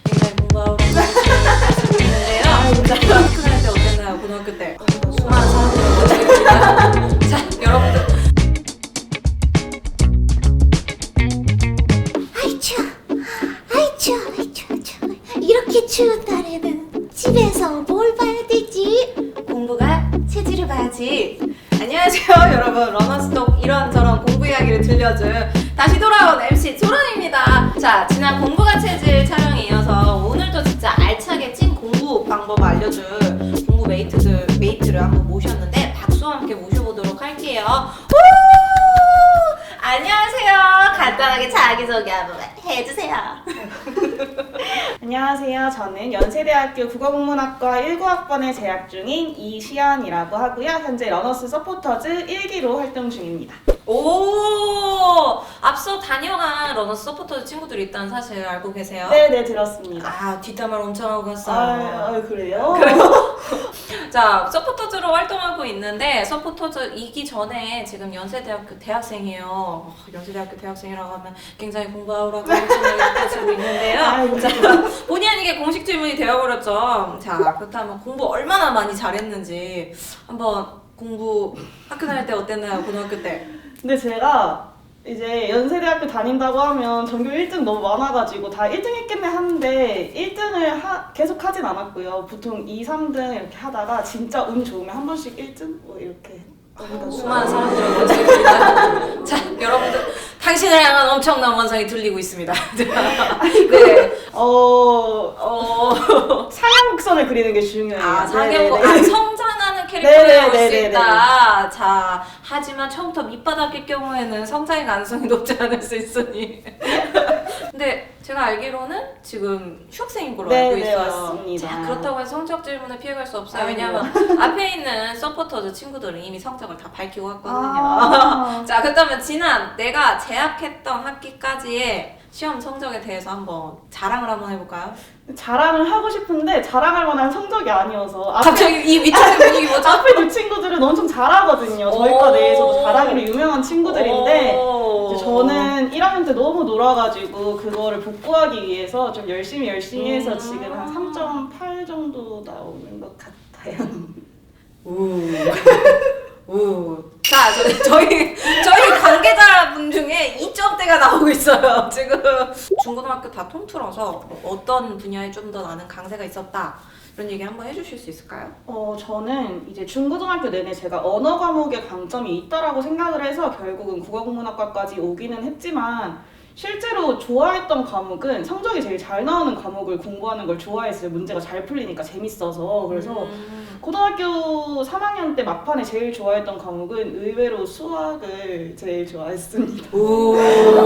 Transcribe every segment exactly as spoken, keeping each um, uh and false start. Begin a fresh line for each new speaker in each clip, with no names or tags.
굉장히 공부하고 있는데요. 자, 학교 때 어땠나요? 고등학교 때 수많은 사람들을 모시겠습니다. 자, 여러분들.
아이 추워, 아이 추워, 아이 추워, 추워. 이렇게 추운 날에는 집에서 뭘 봐야 되지?
공부가 체질을 봐야지. 안녕하세요 여러분, 러너스톡 이런저런 공부 이야기를 들려줄 다시 돌아온 엠씨 조런입니다. 자, 지난 공부가 체질 촬영에 이어서 오늘도 진짜 알차게 찐 공부 방법 알려줄 공부 메이트들, 메이트를 한번 모셨는데 박수와 함께 모셔보도록 할게요. 후! 안녕하세요. 간단하게 자기소개 한번 해주세요.
안녕하세요. 저는 연세대학교 국어국문학과 일구 학번에 재학 중인 이시연이라고 하고요. 현재 러너스 서포터즈 일 기로 활동 중입니다.
오, 앞서 다녀간 러너스 서포터즈 친구들이 있다는 사실 알고 계세요?
네네, 들었습니다.
아, 뒷담화를 엄청 하고 갔어요.
아, 아 그래요?
자, 서포터즈로 활동하고 있는데 서포터즈이기 전에 지금 연세대학교 대학생이에요. 어, 연세대학교 대학생이라고 하면 굉장히 공부하라고 열심히 가지고 있는데요.
아이고.
자, 본의 아니게 공식 질문이 되어버렸죠. 자, 그렇다면 공부 얼마나 많이 잘했는지 한번 공부 학교 다닐 때 어땠나요? 고등학교 때?
근데 제가 이제 연세대학교 다닌다고 하면 전교 일 등 너무 많아가지고 다 일 등 했겠네 하는데 일 등을 하, 계속 하진 않았고요. 보통 이, 삼 등 이렇게 하다가 진짜 운 좋으면 한 번씩 일 등? 뭐 이렇게
수많은 사람들의 원성이 들립니다. 자, 여러분들 당신을 향한 엄청난 원성이 들리고 있습니다. 네.
어...
어.
상향곡선을 그리는 게 중요해요.
아, 상향곡.
네네네.
아, 성장하는 캐릭터를
네네네네네.
나올 수 있다. 자, 하지만 처음부터 밑바닥일 경우에는 성장의 가능성이 높지 않을 수 있으니. 근데 제가 알기로는 지금 휴학생인 걸로
네,
알고
네,
있어요.
맞습니다.
자, 그렇다고 해서 성적 질문을 피해갈 수 없어요.
아이고.
왜냐하면 앞에 있는 서포터즈 친구들은 이미 성적을 다 밝히고 왔거든요.
아.
자, 그렇다면 지난 내가 재학했던 학기까지의 시험 성적에 대해서 한번 자랑을 한번 해볼까요?
자랑을 하고 싶은데 자랑할 만한 성적이 아니어서 앞에,
갑자기 이 위쪽의 분위기 뭐죠?
앞에 두 친구들은 엄청 잘하거든요. 저희과
오.
내에서도 잘하기로 유명한 친구들인데
오.
이제 저는 일 학년 때 너무 놀아가지고 그거를 복구하기 위해서 좀 열심히 열심히 해서
음.
지금 한 삼 점 팔 정도 나오는 것 같아요.
우. 우. 자, 저, 저희 저희 관계자분 중에 이 점대가 나오고 있어요. 지금 중고등학교 다 통틀어서 어떤 분야에 좀 더 나는 강세가 있었다, 이런 얘기 한번 해주실 수 있을까요?
어, 저는 이제 중고등학교 내내 제가 언어 과목에 강점이 있다라고 생각을 해서 결국은 국어국문학과까지 오기는 했지만 실제로 좋아했던 과목은 성적이 제일 잘 나오는 과목을 공부하는 걸 좋아했어요. 문제가 잘 풀리니까 재밌어서. 그래서
음.
고등학교 삼 학년 때 막판에 제일 좋아했던 과목은 의외로 수학을 제일 좋아했습니다.
오.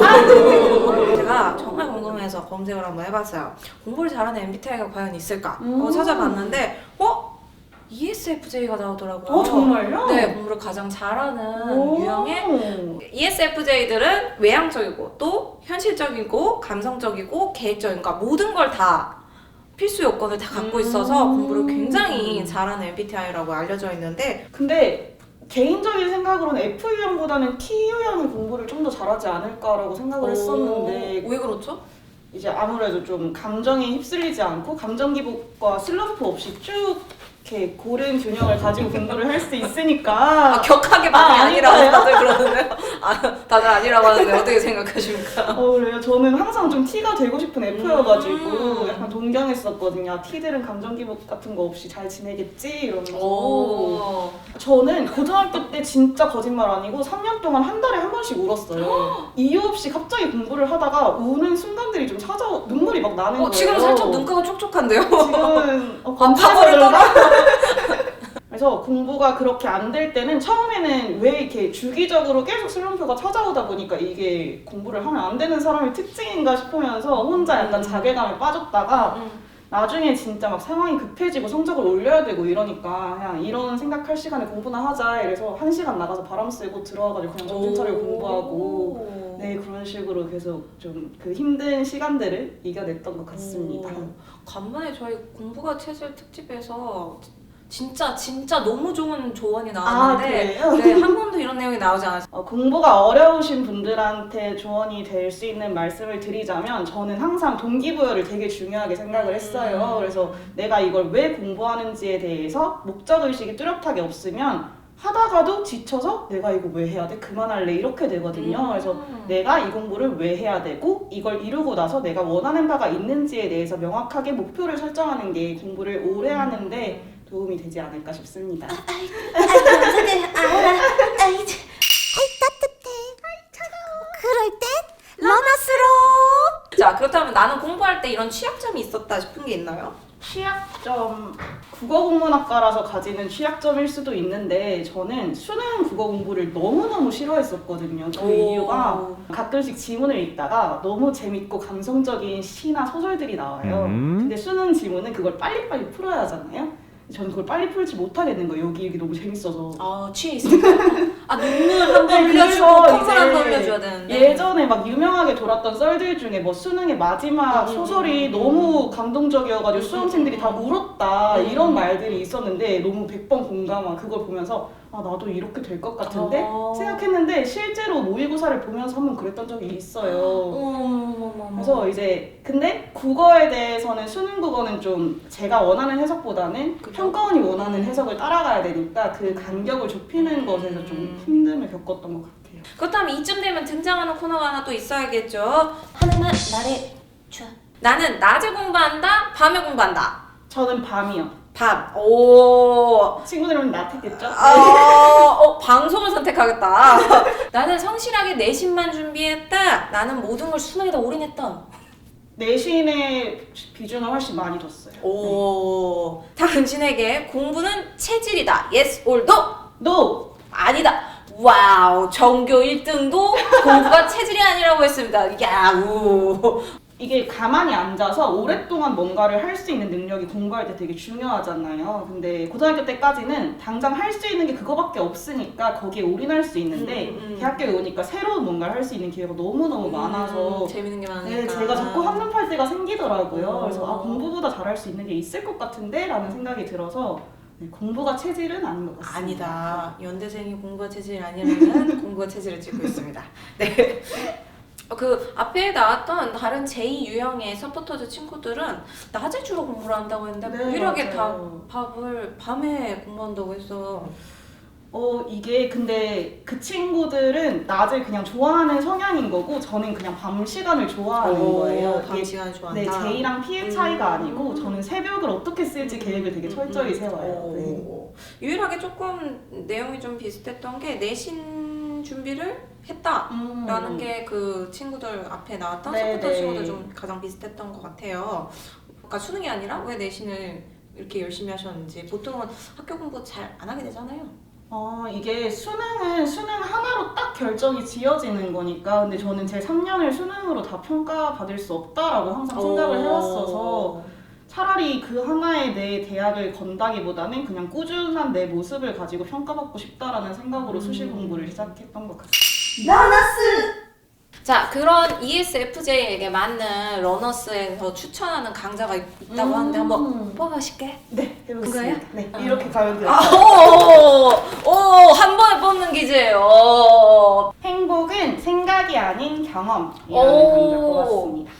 제가 정말 궁금해서 검색을 한번 해봤어요. 공부를 잘하는 엠비티아이가 과연 있을까?
음.
어, 찾아봤는데 어? 이에스에프제이가 나오더라고요.
어, 정말요?
네, 공부를 가장 잘하는
오.
유형의 이에스에프제이들은 외향적이고 또 현실적이고 감성적이고 계획적인, 그러니까 모든 걸 다 필수 요건을 다 갖고 있어서
음.
공부를 굉장히 잘하는 엠비티아이라고 알려져 있는데,
근데 개인적인 생각으로는 에프 유형보다는 티 유형이 공부를 좀 더 잘하지 않을까라고 생각을 했었는데
왜 그렇죠?
이제 아무래도 좀 감정에 휩쓸리지 않고 감정 기복과 슬럼프 없이 쭉 이렇게 고른 균형을 가지고 공부를 할 수 있으니까
아, 격하게 많이
아,
아, 니라고
아닌가요?
다들 그러는데요? 아, 다들 아니라고 하는데 어떻게 생각하십니까?
어 그래요. 저는 항상 좀 T가 되고 싶은 F여가지고
음.
약간 동경했었거든요. 아, T들은 감정 기복 같은 거 없이 잘 지내겠지 이러면서.
오.
저는 고등학교 때 진짜 거짓말 아니고 삼 년 동안 한 달에 한 번씩 울었어요. 이유 없이 갑자기 공부를 하다가 우는 순간들이 좀 찾아 눈물이 막 나는
어,
거예요.
지금 살짝 눈가가 촉촉한데요?
지금은 어,
아,
검사해서 그래서 공부가 그렇게 안 될 때는 처음에는 왜 이렇게 주기적으로 계속 슬럼프가 찾아오다 보니까 이게 공부를 하면 안 되는 사람의 특징인가 싶으면서 혼자 약간
음.
자괴감에 빠졌다가
음.
나중에 진짜 막 상황이 급해지고 성적을 올려야 되고 이러니까 그냥 이런 생각할 시간에 공부나 하자 이래서 한 시간 나가서 바람 쐬고 들어와가지고 그냥 정신 차리고 공부하고 네 그런 식으로 계속 좀 그 힘든 시간들을 이겨냈던 것 같습니다.
오. 간만에 저희 공부가 체질 특집에서 진짜 진짜 너무 좋은 조언이
아,
나왔는데
그래요?
네, 한 번도 이런 내용이 나오지 않았어요.
어, 공부가 어려우신 분들한테 조언이 될 수 있는 말씀을 드리자면 저는 항상 동기부여를 되게 중요하게 생각을 했어요. 그래서 내가 이걸 왜 공부하는지에 대해서 목적의식이 뚜렷하게 없으면 하다가도 지쳐서 내가 이거 왜 해야 돼? 그만할래? 이렇게 되거든요.
음.
그래서 내가 이 공부를 왜 해야 되고 이걸 이루고 나서 내가 원하는 바가 있는지에 대해서 명확하게 목표를 설정하는 게 공부를 오래 하는데 도움이 되지 않을까 싶습니다.
아이 감사해요. 아, 아이, 참. 아이 따뜻해. 아이 차가워. 그럴 땐 러너스로.
자, 그렇다면 나는 공부할 때 이런 취약점이 있었다 싶은 게 있나요?
취약점, 국어국문학과라서 가지는 취약점일 수도 있는데 저는 수능 국어 공부를 너무너무 싫어했었거든요. 그
오.
이유가 가끔씩 지문을 읽다가 너무 재밌고 감성적인 시나 소설들이 나와요.
음.
근데 수능 지문은 그걸 빨리빨리 풀어야 하잖아요. 저는 그걸 빨리 풀지 못하겠는 거예요. 여기 이게 너무 재밌어서.
아, 취해 있으니까. 아, 눈물 한 번
네,
흘려주고
그래서
콧물
이제
한 번 흘려줘야 되는데.
예전에 막 유명하게 돌았던 썰들 중에 뭐 수능의 마지막
음,
소설이
음,
너무 감동적이어가지고
음,
수험생들이
음,
다
음.
울었다
음,
이런
음.
말들이 있었는데 너무 백 번 공감한 그걸 보면서 아 나도 이렇게 될 것 같은데
어.
생각했는데 실제로 모의고사를 보면서 한번 그랬던 적이 있어요.
어머머머머.
그래서 이제 근데 국어에 대해서는 수능 국어는 좀 제가 원하는 해석보다는
그죠?
평가원이 원하는 해석을 따라가야 되니까 그 간격을 좁히는 것에서 좀
음.
힘듦을 겪었던 것 같아요.
그렇다면 이쯤 되면 등장하는 코너가 하나 또 있어야겠죠.
하나만 말해줘.
나는 낮에 공부한다, 밤에 공부한다.
저는 밤이요.
밤. 오.
친구들은 나태겠죠?
아, 어, 방송을 선택하겠다. 나는 성실하게 내신만 준비했다. 나는 모든 걸 수능에다 올인했다.
내신의 비중을 훨씬 많이 뒀어요.
오. 당신에게 공부는 체질이다. Yes or no?
No!
아니다. 와우. 전교 일 등도 공부가 체질이 아니라고 했습니다. 야우.
이게 가만히 앉아서 오랫동안 뭔가를 할 수 있는 능력이 공부할 때 되게 중요하잖아요. 근데 고등학교 때까지는 당장 할 수 있는 게 그거밖에 없으니까 거기에 올인할 수 있는데
음, 음.
대학교에 오니까 새로운 뭔가를 할 수 있는 기회가 너무너무 많아서
음, 재밌는 게 많으니까.
네, 제가 자꾸 한눈팔 때가 생기더라고요.
어.
그래서 아, 공부보다 잘할 수 있는 게 있을 것 같은데? 라는 생각이 들어서 네, 공부가 체질은 아닌 것 같습니다.
아니다. 연대생이 공부가 체질이 아니라면 공부가 체질을 쥐고 있습니다. 네. 어, 그 앞에 나왔던 다른 제이 유형의 서포터즈 친구들은 낮에 주로 공부를 한다고 했는데
네,
유일하게 다
맞아요.
밥을 밤에 공부한다고 했어.
어 이게 근데 그 친구들은 낮을 그냥 좋아하는 성향인 거고 저는 그냥 밤 시간을 좋아하는 거예요.
밤
이게
시간 좋아한다.
네, 제이랑 P의
음.
차이가 아니고 저는 새벽을 어떻게 쓸지 계획을 되게 철저히 세워요. 네.
오. 유일하게 조금 내용이 좀 비슷했던 게 내신 준비를 했다라는
음.
게 그 친구들 앞에 나왔던
네,
서포터
네.
친구들 좀 가장 비슷했던 것 같아요. 그러니까 수능이 아니라 왜 내신을 이렇게 열심히 하셨는지. 보통은 학교 공부 잘 안 하게 되잖아요.
어, 이게 수능은 수능 하나로 딱 결정이 지어지는 거니까 근데 저는 제 삼 년을 수능으로 다 평가받을 수 없다라고 항상 생각을 해왔어서 차라리 그 하나에 내 대학을 건다기보다는 그냥 꾸준한 내 모습을 가지고 평가받고 싶다라는 생각으로 수시 공부를 시작했던 것 같습니다.
러너스.
자, 그런 이에스에프제이에게 맞는 러너스에서 추천하는 강좌가 있- 있다고
음.
하는데 한번 뽑아가실게.
네, 해보겠습니다.
그거예요?
네,
어.
이렇게 가면 돼요.
아, 오, 오, 한 번에 뽑는 기제예요.
행복은 생각이 아닌 경험이라는
오.
강좌 뽑았습니다.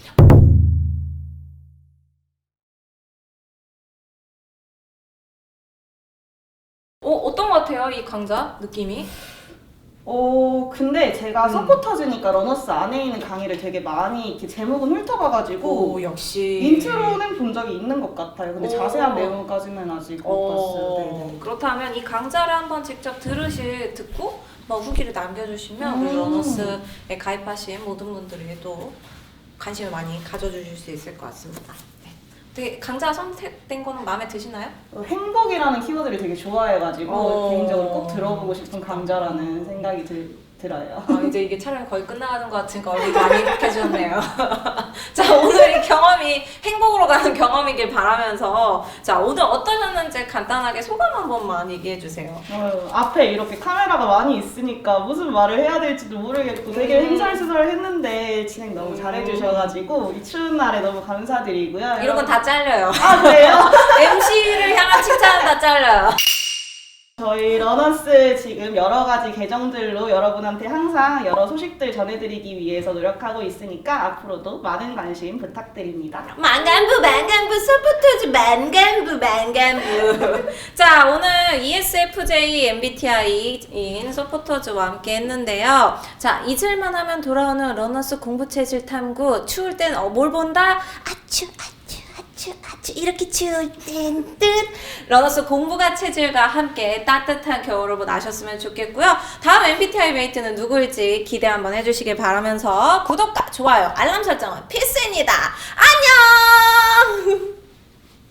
어, 어떤 것 같아요, 이 강좌 느낌이?
어, 근데 제가
음.
서포터즈니까 러너스 안에 있는 강의를 되게 많이 이렇게 제목은 훑어봐가지고
역시.
인트로는 본 적이 있는 것 같아요. 근데
오.
자세한 내용까지는 아직 못 봤어요.
어,
네네.
그렇다면 이 강좌를 한번 직접 들으시 듣고 뭐 후기를 남겨주시면 우리
음.
러너스에 가입하신 모든 분들이 또 관심을 많이 가져주실 수 있을 것 같습니다. 네. 되게 강좌 선택된 거는 마음에 드시나요?
어, 행복이라는 키워드를 되게 좋아해가지고
어.
개인적으로 꼭 들어보고 싶은 강좌라는 생각이 들, 들어요.
아, 이제 이게 촬영이 거의 끝나가는 것 같으니까 얼굴이 많이 행복해졌네요. 자, 오늘 이 경험이 행복으로 가는 경험이길 바라면서 자, 오늘 어떠셨는지 간단하게 소감 한 번만 얘기해 주세요.
어, 앞에 이렇게 카메라가 많이 있으니까 무슨 말을 해야 될지도 모르겠고 되게
음.
횡설수설했는데 진행 너무
음.
잘해주셔가지고 이 추운 날에 너무 감사드리고요.
이런 건 다 잘려요.
아 그래요?
엠시를 향한 잘라 칭찬은 다 잘라요.
저희 러너스 지금 여러 가지 계정들로 여러분한테 항상 여러 소식들 전해드리기 위해서 노력하고 있으니까 앞으로도 많은 관심 부탁드립니다.
만간부 만간부 서포터즈 만간부 만간부. 자, 오늘 이에스에프제이 엠비티아이인 서포터즈와 함께 했는데요. 자, 잊을만 하면 돌아오는 러너스 공부 체질 탐구. 추울 땐 어, 뭘 본다?
아추 아추 아추 아추 이렇게 추울 땐 뜻.
러너스 공부가 체질과 함께 따뜻한 겨울을 나셨으면 좋겠고요. 다음 엠비티아이 메이트는 누구일지 기대 한번 해주시길 바라면서 구독과 좋아요, 알람 설정은 필수입니다. 안녕!